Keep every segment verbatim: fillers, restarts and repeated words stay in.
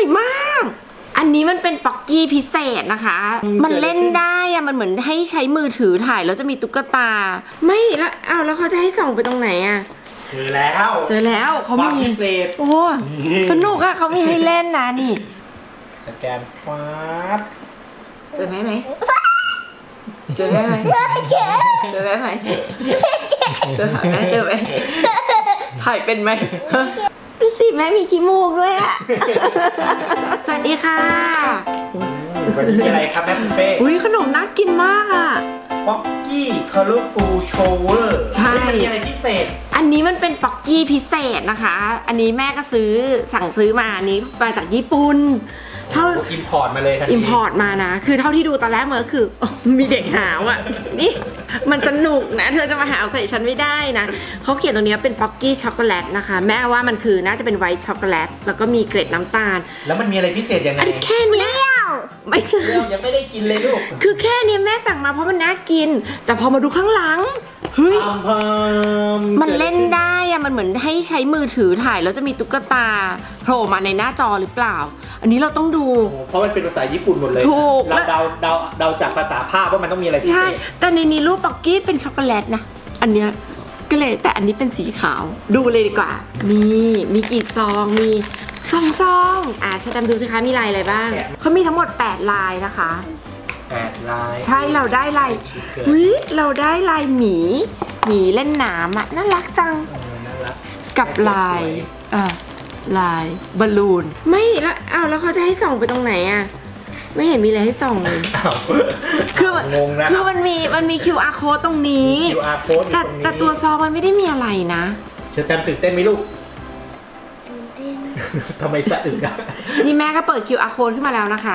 อยมากอันนี้มันเป็นป๊อกกี้พิเศษนะคะมันเล่นได้อะมันเหมือนให้ใช้มือถือถ่ายแล้วจะมีตุ๊กตาไม่แล้วอ้าวแล้วเขาจะให้ส่องไปตรงไหนอะเจอแล้วเจอแล้วเขามีพิเศษโอ้สนุกอะเขามีให้เล่นนะนี่สแกนฟ้าเจอไหมไหมเจอไหมไหมเจอไหมไหมเจอไหมเจอไหมถ่ายเป็นไหมดูสิแม่มีขี้มูกด้วยอะสวัสดีค่ะวันนี้มีอะไรครับแม่เป้อุ้ยขนมน่ากินมากอะป๊อกกี้คอลเลอร์ฟูลโชเวอร์ใช่มันมีอะไรพิเศษอันนี้มันเป็นป๊อกกี้พิเศษนะคะอันนี้แม่ก็ซื้อสั่งซื้อมาอันนี้มาจากญี่ปุ่นเท่าอิมพอร์ตมาเลยอิมพอร์ตมานะคือเท่าที่ดูตอนแรกมันก็คือมีเด็กหาวอ่ะนี่มันสนุกนะเธอจะมาหาวใส่ฉันไม่ได้นะเขาเขียนตรงนี้เป็นป๊อกกี้ช็อกโกแลตนะคะแม่ว่ามันคือน่าจะเป็นไวท์ช็อกโกแลตแล้วก็มีเกล็ดน้ำตาลแล้วมันมีอะไรพิเศษยังไงอันแค่นี้ไม่ใช่ยังไม่ได้กินเลยลูกคือแค่นี้แม่สั่งมาเพราะมันน่ากินแต่พอมาดูข้างหลังเฮ้ยมันเล่นได้อะมันเหมือนให้ใช้มือถือถ่ายแล้วจะมีตุ๊กตาโผล่มาในหน้าจอหรือเปล่าอันนี้เราต้องดูเพราะมันเป็นภาษาญี่ปุ่นหมดเลยถูกเราเดาเดาเดาจากภาษาภาพว่ามันต้องมีอะไรพิเศษใช่แต่ในนี้รูปป๊อกกี้เป็นช็อกโกแลตนะอันเนี้ยก็เลยแต่อันนี้เป็นสีขาวดูเลยดีกว่านี่มีกี่ซองมีซองซองอ่าชาแตมดูสิคะมีลายอะไรบ้างเขามีทั้งหมดแปดลายนะคะแปดลายใช่เราได้ลายอุ้ยเราได้ลายหมีหมีเล่นน้ำอ่ะน่ารักจังกับลายอ่าลายบอลลูนไม่แล้วอ้าวแล้วเขาจะให้ส่องไปตรงไหนอ่ะไม่เห็นมีอะไรให้ส่องเลยคือคือมันมีมันมี คิว อาร์ code ตรงนี้คิว อาร์ code แต่แต่ตัวซองมันไม่ได้มีอะไรนะเชอแตมตื่นเต้นไหมลูกตื่นเต้นทำไมสะอึกอะนี่แม่ก็เปิด คิว อาร์ code ขึ้นมาแล้วนะคะ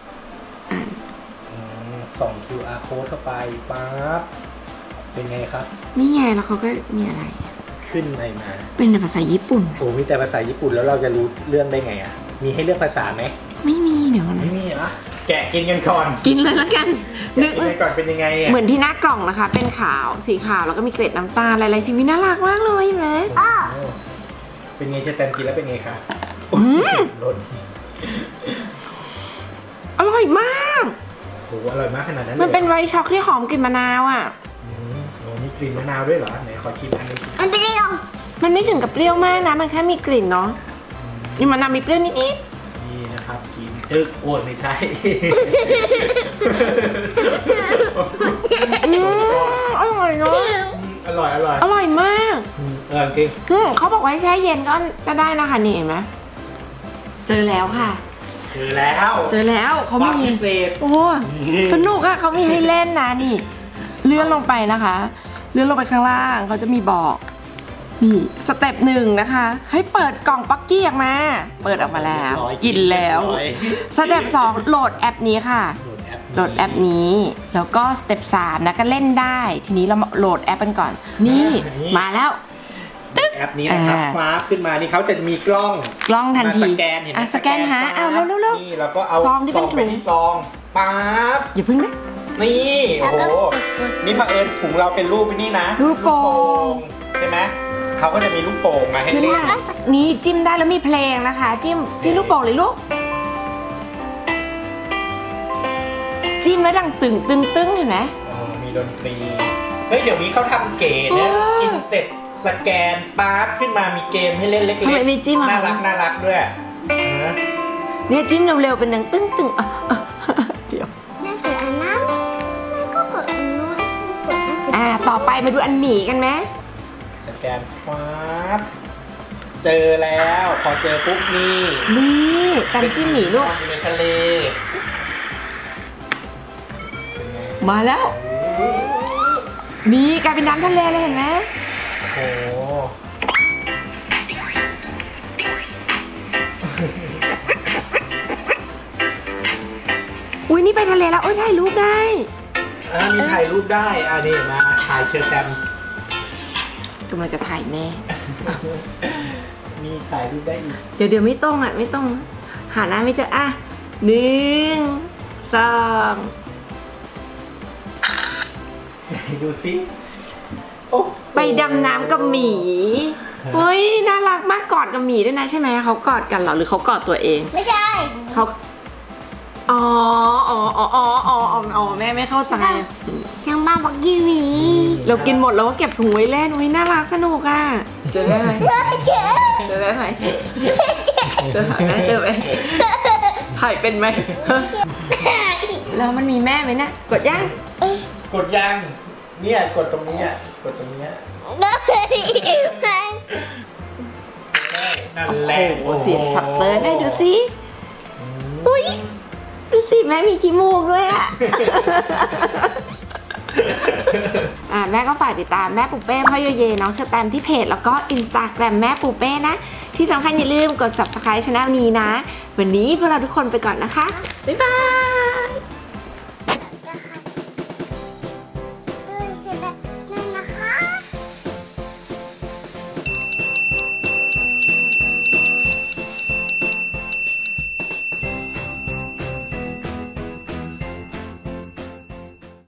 ส่อง คิว อาร์ code เข้าไปปั๊บเป็นไงครับนี่ไงแล้วเขาก็มีอะไรขึ้นอะไรมาเป็นภาษาญี่ปุ่นโอ้มีแต่ภาษาญี่ปุ่นแล้วเราจะรู้เรื่องได้ไงอ่ะมีให้เลือกภาษาไหมไม่มีเดี๋ยวนะไม่มีอ่ะแกะกินกันก่อนกินเลยแล้วกันนึกก่อนเป็นยังไงอ่ะเหมือนที่หน้ากล่องนะคะเป็นขาวสีขาวแล้วก็มีเกล็ดน้ำตาลอะไรๆสีน่ารักมากเลยเห็นไหมเป็นไงเชอแตมกินแล้วเป็นไงคะหล่นอร่อยมากโอ้อร่อยมากขนาดนั้นเลยมันเป็นไวท์ช็อกที่หอมกลิ่นมะนาวอ่ะโอ้มีกลิ่นมะนาวด้วยเหรอไหนขอชิมอันนี้มันเปรี้ยวมันไม่ถึงกับเปรี้ยวมากนะมันแค่มีกลิ่นเนาะนี่มะนาวมีเปรี้ยวนิดนิดนี่นะครับกินตึกโอ้ยไม่ใช่อร่อยเนาะอร่อยอร่อยอร่อยมากอร่อยจริงเขาบอกว่าให้แช่เย็นก็ก็ได้นะคะนี่เห็นไหมเจอแล้วค่ะเจอแล้วเจอแล้วเขามีพิเศษโอ้สนุกอะเขามีให้เล่นนะนี่เลื่อนลงไปนะคะเลื่อนลงไปข้างล่างเขาจะมีบอกนี่สเต็ปหนึ่งนะคะให้เปิดกล่องป๊อกกี้ออกมาเปิดออกมาแล้วกินแล้วสเต็ปสองโหลดแอปนี้ค่ะโหลดแอปนี้แล้วก็สเต็ปสามนะก็เล่นได้ทีนี้เราโหลดแอปกันก่อนนี่มาแล้วแอปนี้นะครับฟ้าขึ้นมานี่เขาจะมีกล้องกล้องทันทีสแกนเห็นไหมสแกนหาอ้าวแล้วแล้วนี่แล้วก็เอาซองที่เป็นถุงซองปั๊บอย่าพึ่งนะนี่โอ้โหนี่เผอิญถุงเราเป็นรูปนี่นะรูปโป่งใช่ไหมเขาก็จะมีลูกโป่งมาให้เล่นนี่จิ้มได้แล้วมีเพลงนะคะจิ้มจิ้มลูกโป่งเลยลูกจิ้มแล้วดังตึงตึงตึงเห็นไหมมีดนตรีเฮ้ยเดี๋ยวนี้เขาทำเก๋เนี่ยกินเสร็จสแกนปั๊บขึ้นมามีเกมให้เล่นเล็กๆทำไมมีจิ้มน่ารักน่ารักด้วยเนี่ยจิ้มเร็วๆเป็นดังตึงตึงเดี๋ยวแม่กดอันนั้นแม่ก็กดอันนู้นกดอันสุดอ่าต่อไปมาดูอันหมีกันไหมสแกนปั๊บเจอแล้วพอเจอปุ๊บนี่นี่กันจิ้มหมีลูกในทะเลมาแล้วนี่กลายเป็นน้ำทะเลเลยเห็นไหมโอ้อุ้ยนี่ไปทะเลแล้วโอ้ยถ่ายรูปได้อ่ามีถ่ายรูปได้อ่านี่มาถ่ายเชิญแตมกำลังจะถ่ายแม่มีถ่ายรูปได้อีกเดี๋ยวเดี๋ยวไม่ต้องอ่ะไม่ต้องหาหน้าไม่เจออ่ะหนึ่งสองดูสิไปดำน้ำกับหมีเฮ้ยน่ารักมากกอดกับหมีด้วยนะใช่ไหมเขากอดกันเหรอหรือเขากอดตัวเองไม่ใช่เขาอ๋ออ๋ออ๋ออ๋ออ๋ออ๋อแม่ไม่เข้าใจช่างบ้านบอกกินหมีเรากินหมดแล้วก็เก็บถุงไว้เล่นอุ้ยน่ารักสนุกอ่ะเจอแม่ไหมไม่เจ๊เจอแม่ไหมเจอหาแม่เจอไหมถ่ายเป็นไหมแล้วมันมีแม่ไหมเนี่ยกดยังกดยังเนี่ยกดตรงนี้อ่ะกดตรงนี้อ่ะนั่นโอ้แหละโหเสียงชัตเตอร์ได้ดูสิอุ้ยดูสิแม่มีขี้มูกด้วยอ่ะ อ่าแม่ก็ฝากติดตามแม่ปูเป้พ่อโยเยน้องสแตมที่เพจแล้วก็อินสตาแกรมแม่ปูเป้นะที่สำคัญอย่าลืมกด ซับสไครบ์ ช่องนี้นะวันนี้พวกเราทุกคนไปก่อนนะคะบ๊ายบาย